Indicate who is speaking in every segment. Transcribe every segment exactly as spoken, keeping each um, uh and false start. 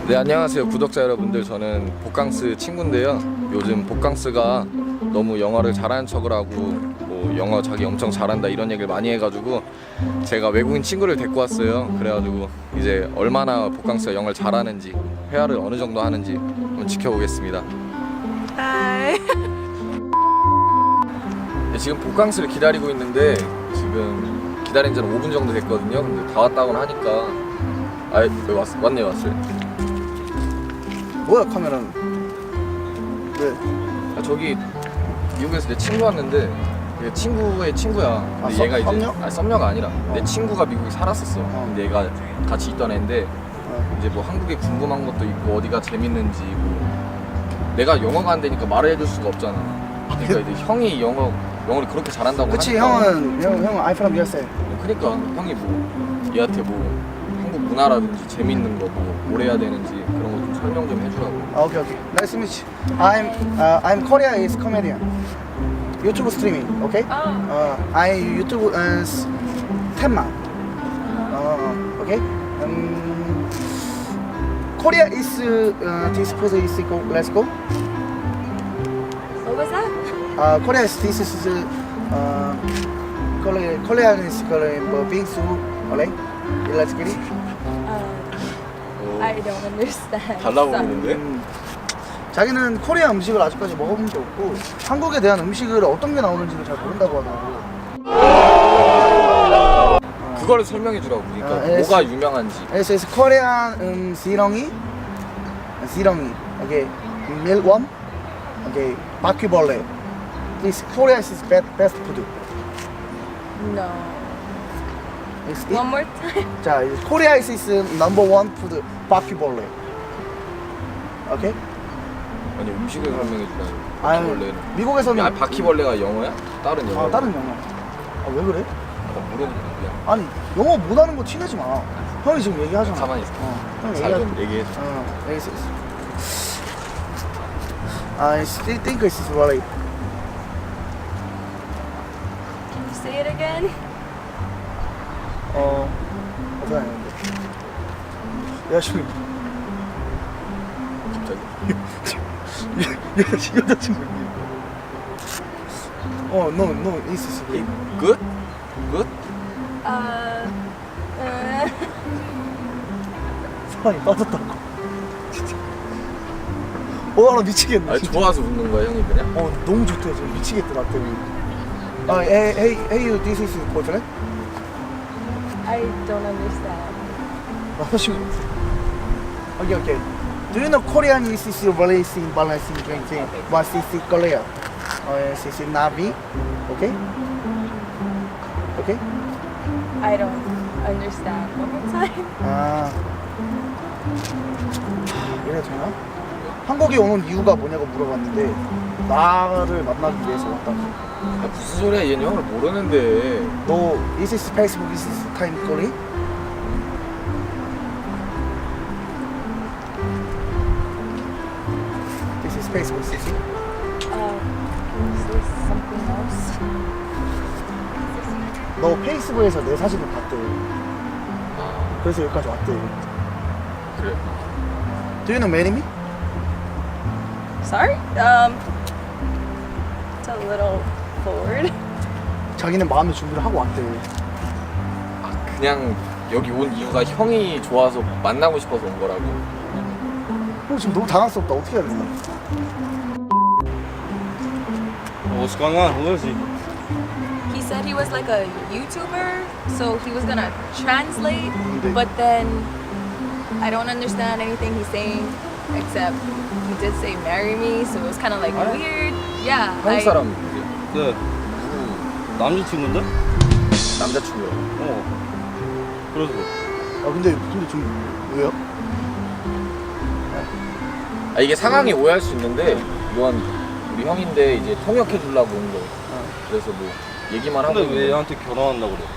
Speaker 1: 네, 안녕하세요 구독자 여러분들. 저는 복강스 친구인데요. 요즘 복강스가 너무 영어를 잘하는 척을 하고 뭐 영어 자기 엄청 잘한다 이런 얘기를 많이 해가지고 제가 외국인 친구를 데리고 왔어요. 그래가지고 이제 얼마나 복강스가 영어를 잘하는지, 회화를 어느 정도 하는지 한번 지켜보겠습니다.
Speaker 2: 하이.
Speaker 1: 네, 지금 복강스를 기다리고 있는데 지금 기다린 지는 오 분 정도 됐거든요. 근데 다 왔다고는 하니까 아, 왜 왔, 왔네 왔어요.
Speaker 3: 뭐야 카메라는? 왜?
Speaker 1: 아, 저기 미국에서 내 친구 왔는데 얘 친구의 친구야.
Speaker 3: 아,
Speaker 1: 근데
Speaker 3: 썸-
Speaker 1: 얘가 이제
Speaker 3: 썸녀?
Speaker 1: 아 썸녀가 아니라
Speaker 3: 어.
Speaker 1: 내 친구가 미국에 살았었어.
Speaker 3: 어.
Speaker 1: 근데 얘가 같이 있던 애인데
Speaker 3: 어.
Speaker 1: 이제 뭐 한국에 궁금한 것도 있고 어디가 재밌는지 뭐 내가 영어가 안 되니까 말을 해줄 수가 없잖아. 그러니까 이제 형이 영어 영어를 그렇게 잘한다고
Speaker 3: 그치
Speaker 1: 하니까
Speaker 3: 형은 형 형은 I'm from 유에스에이.
Speaker 1: 그러니까 형이 뭐 얘한테 뭐 한국 문화라든지 재밌는 거 뭐 뭘 해야 되는지 그런 거 좀 설명 좀 해주라고.
Speaker 3: 아 오케이 오케이. Nice to meet you. I'm uh, I'm Korea is comedian. 유튜브 스트리밍, 오케이? 어, I 유튜브 uh, 텐만. 어, 오케이? 음, Korea is uh, this food is go. Let's go.
Speaker 2: What was that?
Speaker 3: Uh, Korea is this is uh, Korea Korean is Korean 뭐 빙수, alright? Let's get it.
Speaker 2: Um, I don't understand.
Speaker 1: 달라
Speaker 2: Sorry.
Speaker 1: 보이는데?
Speaker 3: 음, 자기는 코리아 음식을 아직까지 먹어본 게 없고 한국에 대한 음식을 어떤 게 나오는지를 잘 모른다고 하더라고.
Speaker 1: 그거를 설명해 주라고. 그러니까
Speaker 3: 아, 예.
Speaker 1: 뭐가 유명한지.
Speaker 3: 그래서 it's Korean 음, 지렁이, 지렁이, 오케이, 밀웜, 오케이, 바퀴벌레. This Korea is best best food.
Speaker 2: No.
Speaker 3: It's it.
Speaker 2: One more time.
Speaker 3: 자, 코리아 is is number one food 바퀴벌레. 오케이?
Speaker 1: 아니 음식을 설명해 주라고.
Speaker 3: 아유,
Speaker 1: 바퀴벌레는.
Speaker 3: 미국에서는
Speaker 1: 야, 바퀴벌레가 영어야? 다른 영어?
Speaker 3: 아 다른 영어. 아 왜 그래?
Speaker 1: 나 물어보는 거야.
Speaker 3: 아니 영어 못하는 거 티내지 마. 형이 지금 얘기하잖아.
Speaker 1: 가만히 있어.
Speaker 3: 어, 형
Speaker 1: 잘
Speaker 3: 얘기하.
Speaker 1: 좀 얘기해 줘.
Speaker 3: 어, 얘기했어. I still think it's really.
Speaker 2: Can you say it again?
Speaker 3: 어, 어떻게 하는데? 야 지금
Speaker 1: 갑자기.
Speaker 3: 얘 여자친구. 어, no, no, it's it's
Speaker 1: Hey,
Speaker 3: good.
Speaker 1: good? Good?
Speaker 2: Uh, uh,
Speaker 3: 사랑이 빠졌다고. 진짜. 어, 나 미치겠네.
Speaker 1: 아니
Speaker 3: 진짜.
Speaker 1: 좋아서 웃는 거야 형이 그냥?
Speaker 3: 어, 너무 좋대 지금 미치겠다 나 때문에. 아, hey, hey, hey, you, this is your boyfriend?
Speaker 2: I don't understand.
Speaker 3: 남자친구. 오케이, 오케이. Do you know Korean is is really in balancing drinking? But is is Korea? 어, is is Navi? Okay? Okay?
Speaker 2: I don't understand. One more time.
Speaker 3: 아, 이래 되나? 한국에 오는 이유가 뭐냐고 물어봤는데 나를 만나기 위해서 왔다고.
Speaker 1: 아, 무슨 소리야, 얘는 형을 모르는데.
Speaker 3: 너 is this Facebook, is this time Korea? This is Facebook, is it?
Speaker 2: Uh, is this something else?
Speaker 3: 너 페이스북에서 내 사진을 봤대.
Speaker 1: 아
Speaker 3: 그래서 여기까지 왔대.
Speaker 1: 그래.
Speaker 3: Do you know marry me?
Speaker 2: Sorry? Um, it's a little forward.
Speaker 3: 자기는 마음의 준비를 하고 왔대.
Speaker 1: 아 그냥 여기 온 이유가 형이 좋아서 만나고 싶어서 온 거라고.
Speaker 3: 형 지금 너무 당황스럽다. 어떻게 해야 되나?
Speaker 4: What's going on? Who is he?
Speaker 2: He said he was like a YouTuber, so he was gonna translate,
Speaker 3: 근데
Speaker 2: but then I don't understand anything he's saying except he did say marry me, so it was kind of like
Speaker 1: What?
Speaker 2: weird. Yeah.
Speaker 1: 한국
Speaker 2: I-
Speaker 1: 사람
Speaker 4: 네. 남자친구인데?
Speaker 1: 남자친구야.
Speaker 4: 어. 그래서.
Speaker 3: 아 근데 근데 좀 왜요?
Speaker 1: 아 이게 상황이 오해할 수 있는데 이건 우리 형인데 이제 통역해 주려고 온 거. 그래서 뭐 얘기만 하고.
Speaker 4: 근데
Speaker 1: 있는
Speaker 4: 왜
Speaker 1: 거야.
Speaker 4: 얘한테 결혼한다고 그래?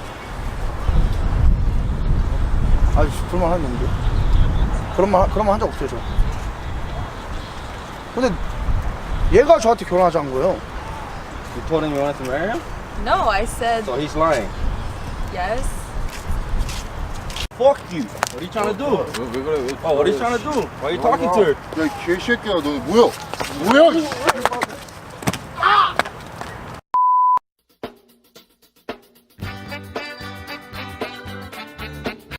Speaker 3: 아니 그런 말 하는데 그런 말 그런 말 한 적 없어요 저. 근데 얘가 저한테 결혼하자는 거예요.
Speaker 4: You told him you wanted to marry him?
Speaker 2: No, I said
Speaker 4: So he's lying.
Speaker 2: yes.
Speaker 4: fuck you. What are you trying to do?
Speaker 1: 왜, 왜 그래? 왜
Speaker 4: Oh, what are you trying to do? Why are you talking to her?
Speaker 5: 야, 이 개새끼야, 너 뭐야? 뭐야?